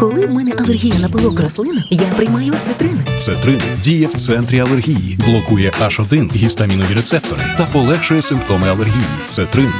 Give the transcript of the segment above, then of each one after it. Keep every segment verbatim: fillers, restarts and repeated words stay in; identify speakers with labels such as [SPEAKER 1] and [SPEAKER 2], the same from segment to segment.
[SPEAKER 1] Коли в мене алергія на пилок рослин, я приймаю цитрин.
[SPEAKER 2] Цетрин діє в центрі алергії, блокує аш один гістамінові рецептори та полегшує симптоми алергії. Цетрин.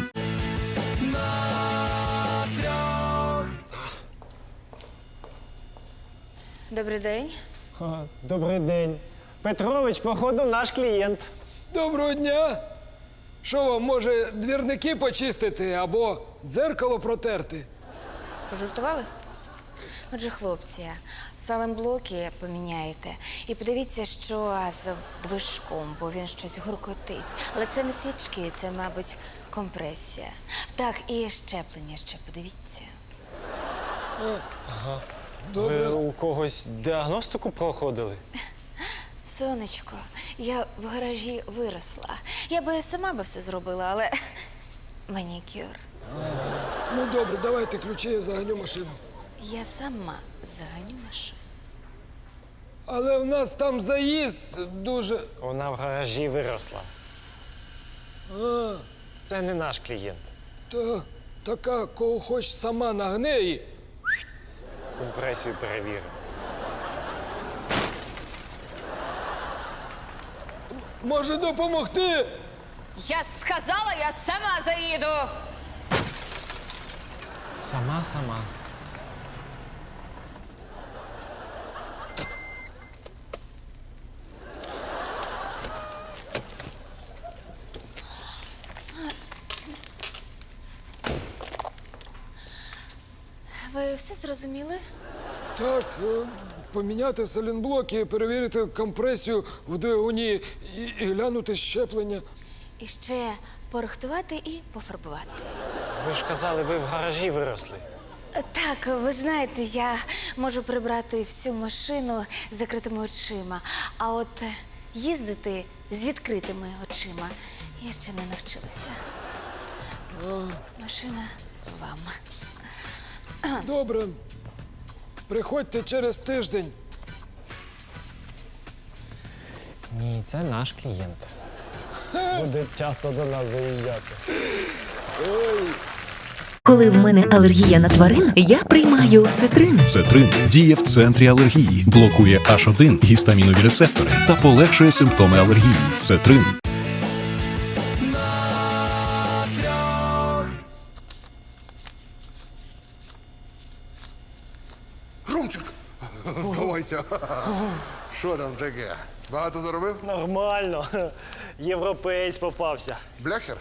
[SPEAKER 3] Добрий день.
[SPEAKER 4] Ха, добрий день. Петрович, походу, наш клієнт.
[SPEAKER 5] Доброго дня! Що вам, може, двірники почистити або дзеркало протерти?
[SPEAKER 3] Пожартували? Отже, хлопці, салемблоки поміняєте. І подивіться, що з движком, бо він щось гуркотить. Але це не свічки, це, мабуть, компресія. Так, і щеплення ще подивіться.
[SPEAKER 4] Ви у когось діагностику проходили?
[SPEAKER 3] Сонечко, я в гаражі виросла. Я би сама би все зробила, але манікюр.
[SPEAKER 5] Ну, добре, давайте ключі, я заганю машину.
[SPEAKER 3] Я сама заганю машину.
[SPEAKER 5] Але в нас там заїзд дуже...
[SPEAKER 4] Вона в гаражі виросла.
[SPEAKER 5] А,
[SPEAKER 4] Це не наш клієнт.
[SPEAKER 5] та, така, кого хоч сама нагне і...
[SPEAKER 4] Компресію перевіримо.
[SPEAKER 5] Може допомогти?
[SPEAKER 3] Я сказала, я сама заїду!
[SPEAKER 4] Сама-сама.
[SPEAKER 3] Ви все зрозуміли?
[SPEAKER 5] Так, е, поміняти салінблоки, перевірити компресію в двигуні і, і глянути щеплення.
[SPEAKER 3] І ще порихтувати і пофарбувати.
[SPEAKER 4] Ви ж казали, ви в гаражі виросли.
[SPEAKER 3] Так, ви знаєте, я можу прибрати всю машину з закритими очима, а от їздити з відкритими очима я ще не навчилася. Машина вам.
[SPEAKER 5] Добре. Приходьте через тиждень.
[SPEAKER 4] Ні, це наш клієнт. Буде часто до нас заїжджати.
[SPEAKER 1] Коли в мене алергія на тварин, я приймаю цитрин.
[SPEAKER 2] Цетрин діє в центрі алергії, блокує аш один гістамінові рецептори та полегшує симптоми алергії. Цетрин.
[SPEAKER 6] Ромчик, здавайся. Що там таке? Багато заробив?
[SPEAKER 4] Нормально. Європеєць попався.
[SPEAKER 6] Бляхер?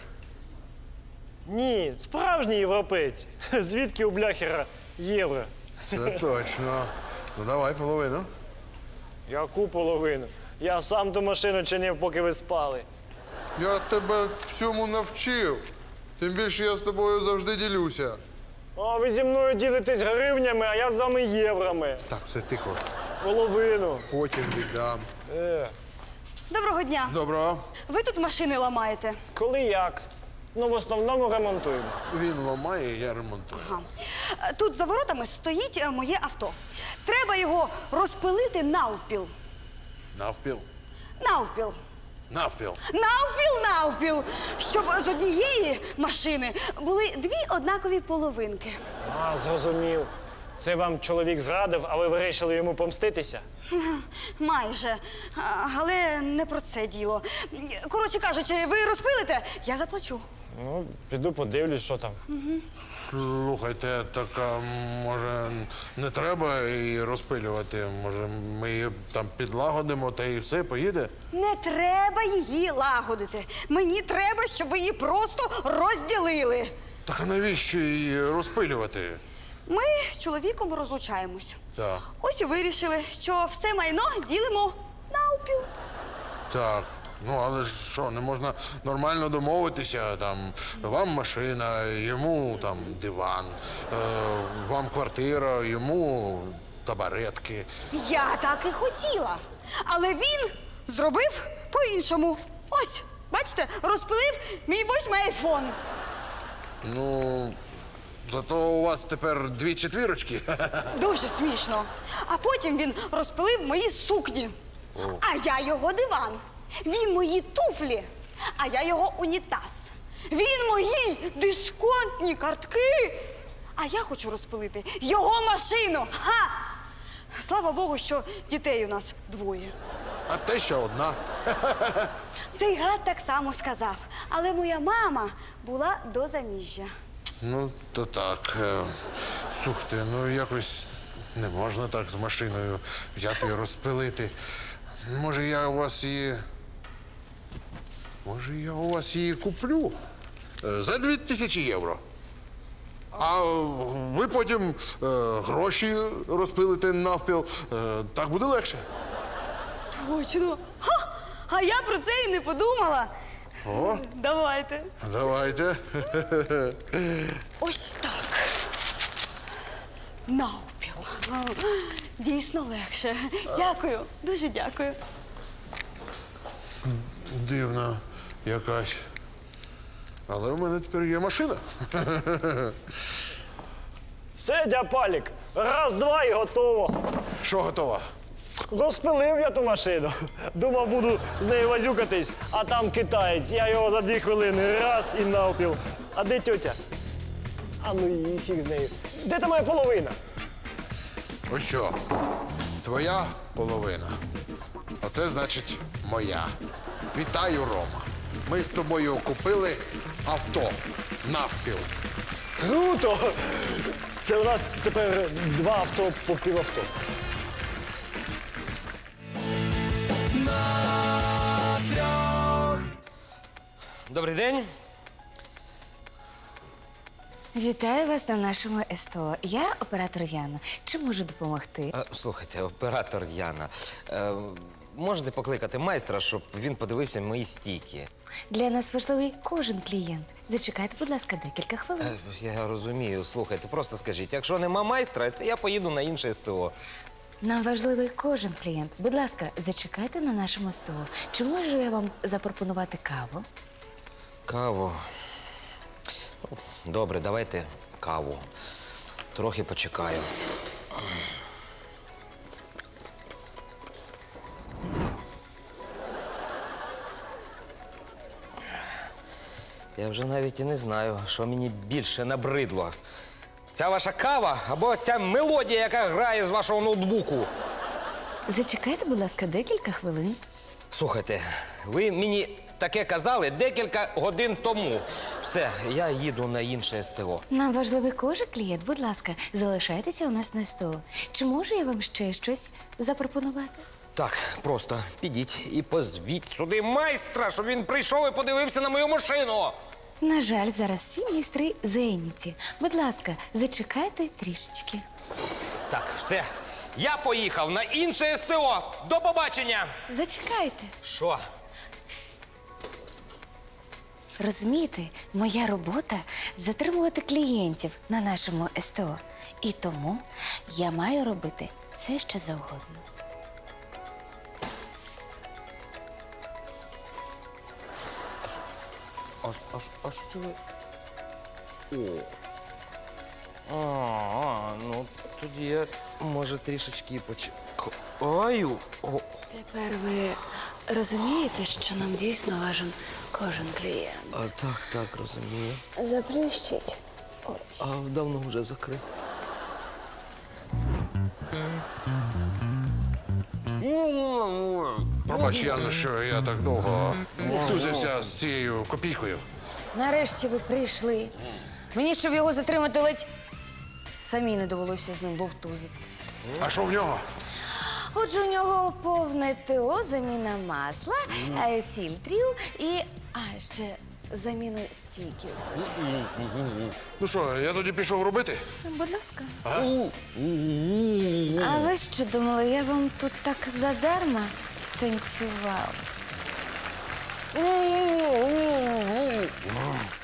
[SPEAKER 4] Ні, справжній європеєць. Звідки у бляхера євро?
[SPEAKER 6] Це точно. Ну давай половину.
[SPEAKER 4] Яку половину? Я сам ту машину чинив, поки ви спали.
[SPEAKER 6] Я тебе всьому навчив. Тим більше я з тобою завжди ділюся.
[SPEAKER 4] А ви зі мною ділитесь гривнями, а я з вами єврами.
[SPEAKER 6] Так, все тихо.
[SPEAKER 4] Половину.
[SPEAKER 6] Потім віддам.
[SPEAKER 4] Е,
[SPEAKER 7] Доброго дня.
[SPEAKER 6] Добро.
[SPEAKER 7] Ви тут машини ламаєте.
[SPEAKER 4] коли як? Ну, в основному ремонтуємо.
[SPEAKER 6] Він ламає, я ремонтую.
[SPEAKER 7] Ага. Е, Тут за воротами стоїть е, моє авто. Треба його розпилити навпіл.
[SPEAKER 6] Навпіл.
[SPEAKER 7] Навпіл.
[SPEAKER 6] Навпіл.
[SPEAKER 7] Навпіл, навпіл. Щоб з однієї машини були дві однакові половинки.
[SPEAKER 4] А, зрозумів. Це вам чоловік зрадив, а ви вирішили йому помститися?
[SPEAKER 7] Майже. А, Але не про це діло. Коротше кажучи, ви розпилите, я заплачу.
[SPEAKER 4] Ну, піду подивлюсь, що там.
[SPEAKER 6] Слухайте, так а, може не треба її розпилювати? Може ми її там підлагодимо та і все, поїде?
[SPEAKER 7] Не треба її лагодити. Мені треба, щоб ви її просто розділили.
[SPEAKER 6] Так а навіщо її розпилювати?
[SPEAKER 7] Ми з чоловіком розлучаємось.
[SPEAKER 6] Так.
[SPEAKER 7] Ось і вирішили, що все майно ділимо навпіл.
[SPEAKER 6] Так, ну але ж що, не можна нормально домовитися, там, вам машина, йому там диван, е, вам квартира, йому табаретки.
[SPEAKER 7] Я так і хотіла. Але він зробив по-іншому. Ось, бачите, розпилив мій восьмий айфон.
[SPEAKER 6] Ну, зато у вас тепер дві четвірочки.
[SPEAKER 7] Дуже смішно. А потім він розпилив мої сукні. А я його диван. Він мої туфлі, а я його унітаз. Він мої дисконтні картки, А я хочу розпилити його машину. Ха! Слава Богу, що дітей у нас двоє.
[SPEAKER 6] А те ще одна.
[SPEAKER 7] Цей гад так само сказав. Але моя мама була до заміжжя.
[SPEAKER 6] Ну, то так. е, Слухайте, ну якось не можна так з машиною взяти і розпилити. Може, я у вас її. Може, я у вас її куплю Е, за дві тисячі євро. А ви потім е, гроші розпилите навпіл. Е, так буде легше.
[SPEAKER 7] Точно. Ха! А я про це і не подумала.
[SPEAKER 6] О,
[SPEAKER 7] Давайте.
[SPEAKER 6] давайте.
[SPEAKER 7] Ось так. Навпіл. Дійсно легше. Дякую, дуже дякую.
[SPEAKER 6] Дивна якась. Але у мене тепер є машина.
[SPEAKER 4] Все, дяпалік, раз-два і готово.
[SPEAKER 6] Що готова?
[SPEAKER 4] Розпилив я ту машину. Думав, буду з нею возюкатись, а там китаєць. Я його за дві хвилини раз і навпіл. А де тьотя? А ну і фіг з нею. Де та моя половина?
[SPEAKER 6] Ось що, твоя половина. Оце значить моя. Вітаю, Рома. Ми з тобою купили авто навпіл.
[SPEAKER 4] Круто! Це у нас тепер два авто по півавто.
[SPEAKER 8] Добрий день.
[SPEAKER 3] Вітаю вас на нашому СТО. Я оператор Яна. Чи можу допомогти?
[SPEAKER 8] Е, Слухайте, оператор Яна, е, можете покликати майстра, щоб він подивився мої стійки?
[SPEAKER 3] Для нас важливий кожен клієнт. Зачекайте, будь ласка, декілька хвилин.
[SPEAKER 8] Е, Я розумію, слухайте, просто скажіть, якщо нема майстра, то я поїду на інше СТО.
[SPEAKER 3] Нам важливий кожен клієнт. Будь ласка, зачекайте на нашому СТО. Чи можу я вам запропонувати каву?
[SPEAKER 8] Каву. Добре, давайте каву. Трохи почекаю. Я вже навіть і не знаю, що мені більше набридло. Ця ваша кава або ця мелодія, яка грає з вашого ноутбуку.
[SPEAKER 3] Зачекайте, будь ласка, декілька хвилин.
[SPEAKER 8] Слухайте, ви мені таке казали декілька годин тому. Все, я їду на інше СТО.
[SPEAKER 3] Нам важливий кожен клієнт. Будь ласка, залишайтеся у нас на СТО. Чи можу я вам ще щось запропонувати?
[SPEAKER 8] Так, просто підіть і позвіть сюди майстра, щоб він прийшов і подивився на мою машину.
[SPEAKER 3] На жаль, зараз всі майстри зайняті. Будь ласка, зачекайте трішечки.
[SPEAKER 8] Так, все. Я поїхав на інше СТО. До побачення.
[SPEAKER 3] Зачекайте.
[SPEAKER 8] Що?
[SPEAKER 3] Розумієте, моя робота затримувати клієнтів на нашому СТО. І тому я маю робити все, що завгодно.
[SPEAKER 8] А, а, а що це ви? О. А, ну тоді я, може, трішечки почекаю. О.
[SPEAKER 3] Тепер ви розумієте, що нам дійсно важен кожен клієнт.
[SPEAKER 8] А, так, так, розумію.
[SPEAKER 3] Заплющіть.
[SPEAKER 8] А давно вже закрив.
[SPEAKER 6] Пробач, Яно, що я так довго втузився з цією копійкою.
[SPEAKER 3] Нарешті ви прийшли. Мені, щоб його затримати, ледь самі не довелося з ним вовтузитися.
[SPEAKER 6] А що в нього?
[SPEAKER 3] Отже, у нього повне ТО, заміна масла, е, фільтрів і а, ще заміну стійків.
[SPEAKER 6] Ну що, я тоді пішов робити?
[SPEAKER 3] Будь ласка. А ви що думали, я вам тут так задарма танцював?